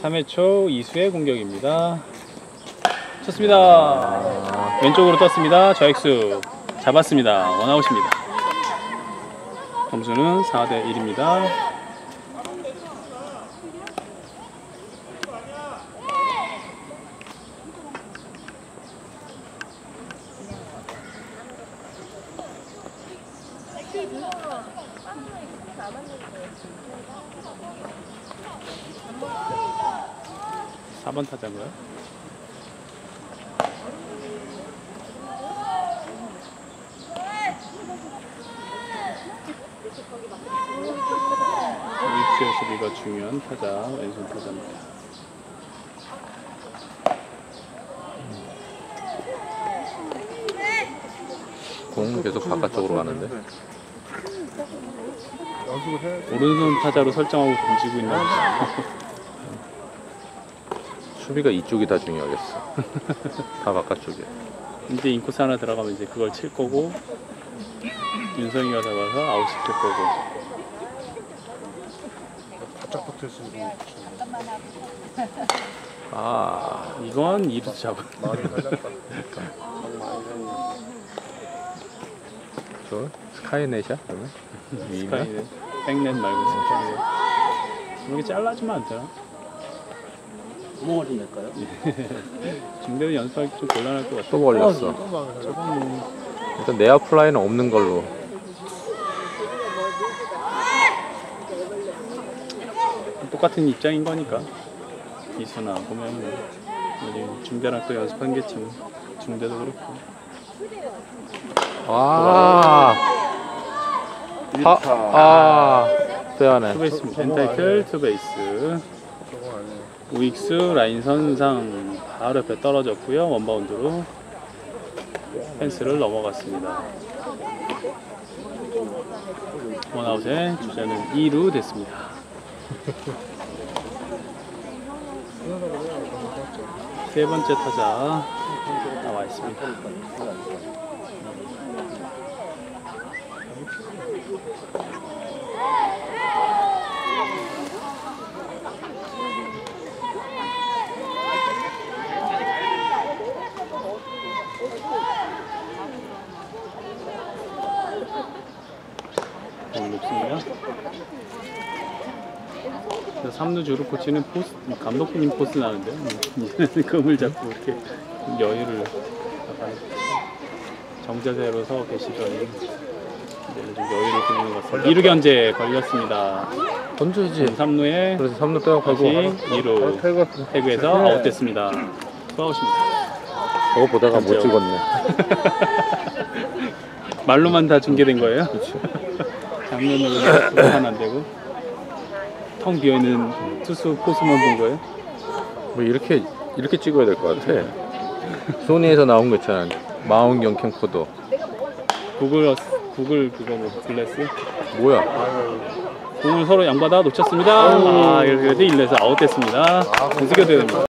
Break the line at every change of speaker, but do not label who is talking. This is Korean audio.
3회 초 이수의 공격입니다. 쳤습니다. 왼쪽으로 떴습니다. 좌익수 잡았습니다. 원아웃입니다. 점수는 4대 1입니다. (4번) 타자고요. 우익수의 수비가 중요한 타자, 왼손 타자입니다.
공은 계속 바깥쪽으로 가는데
오른손 타자로 설정하고 던지고 있나 보다.
수비가 이쪽이 다 중요하겠어. 다 바깥쪽에.
이제 인코스 하나 들어가면 이제 그걸 칠 거고, 윤성이가 잡아서 아웃 시킬 거고.
바짝 붙어있으면
아, 이건 2루 잡아.
많이 살렸다.
저 스카이넷이야? 그러면?
스카이넷, 백넷 말고 스카이넷. 이렇게 잘라주면 안 되나?
구멍을 좀 낼까요?
중대는 연습하기 좀 곤란할 것 같아.
또 걸렸어.
저건 뭐
일단 내야 플라이는 없는 걸로.
똑같은 입장인 거니까. 이수나 보면 우리 중대랑 또 연습한 겠지 뭐. 중대도 그렇고.
빼야네.
투베이스 엔타이틀 투베이스. 우익수 라인 선상 바로 옆에 떨어졌고요. 원바운드로 펜스를 넘어갔습니다. 원아웃에 주자는 2루 됐습니다. 세 번째 타자 나와 있습니다. 높습니다. 3루 주루 코치는 포스, 감독님 포스 나는데요. 이제는 금을 잡고 이렇게 여유를 약간 정자세로 서 계시더니 이제는 좀 여유를 부리는 것 같습니다. 2루 견제 걸렸습니다.
던져야지.
3루에
그래서 3루 빼고
다시 2루 태그에서 아웃됐습니다. 투아웃입니다.
저거 보다가 못
던져.
찍었네.
말로만 다 중계된 거예요? 장면으로 하나 안 되고 텅 비어있는 투수 포수만 본 거예요?
뭐 이렇게 찍어야 될 것 같아. 소니에서 나온 거 있잖아. 망원경 캠코더.
구글 그거 뭐 글래스?
뭐야?
공을 서로 양받아 놓쳤습니다. 아, 이렇게 1루에서 아웃됐습니다. 공수교대 됩니다.